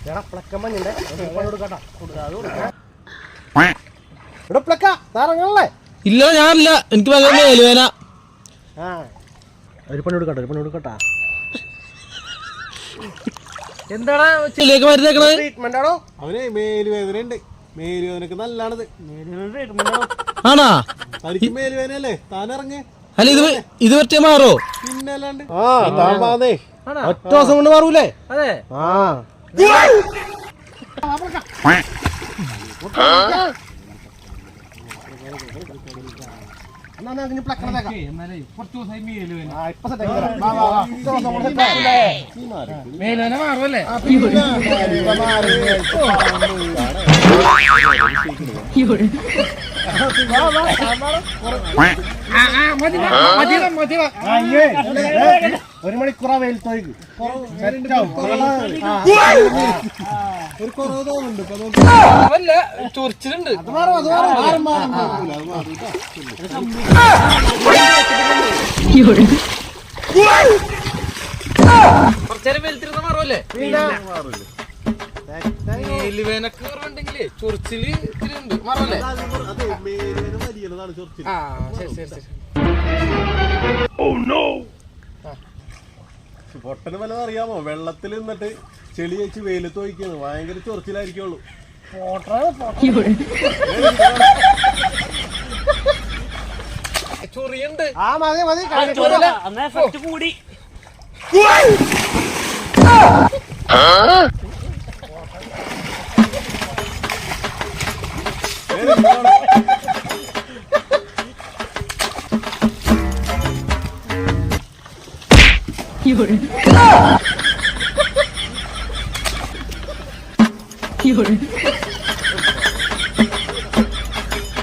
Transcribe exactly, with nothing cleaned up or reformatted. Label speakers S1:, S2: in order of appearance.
S1: ഇല്ല ഞാനില്ല എനിക്ക് മേലുവേന
S2: ഒരു പണി കൊടുക്കട്ടെ ഒരു പണി കൊടുക്കട്ടാ
S1: എന്താണ് ചെല്ലേക്ക് മരുന്നേക്കണത്
S2: ട്രീറ്റ്മെന്റ് ആണോ അവന് മേലുവേദന ഉണ്ട് മേലുവേദനക്ക് നല്ലതാണത്
S1: ആണാ
S2: തനിക്ക് മേലുവേദനയല്ലേ താനിറങ്ങി
S1: അല്ല ഇത് ഇത് പറ്റിയ മാറോ
S2: പിന്നെ അല്ലാണ്ട് ഒറ്റ ദിവസം കൊണ്ട് മാറൂലേ
S1: അതെ
S2: ആ
S1: മേലുവേന മാറുമല്ലേ
S2: ഒരു മണിക്കൂറാ വെയിലത്തോയ്ക്ക് ഒരു കുറവ് തോന്നുന്നുണ്ട്
S1: ചൊറിച്ചിലുണ്ട് കുറച്ചേരം വെയിലത്തിരുന്ന മാറുമല്ലേ മേലുവേനക്ക് കുറവുണ്ടെങ്കിലേ ചൊറിച്ചില് ഇത്തിരി ഉണ്ട് മാറുമല്ലേ ആ ശരി ശരി ശരി
S2: പൊട്ടന് വല്ലതും അറിയാമോ വെള്ളത്തിൽ നിന്നിട്ട് ചെളി വെച്ച് വെയിലത്ത് ഒഴിക്കുന്നത് ഭയങ്കര ചൊറിച്ചിലായിരിക്കുള്ളൂ
S1: ചൊറിയുണ്ട്
S2: ആ മതി മതി
S1: കൂടി有人，有人。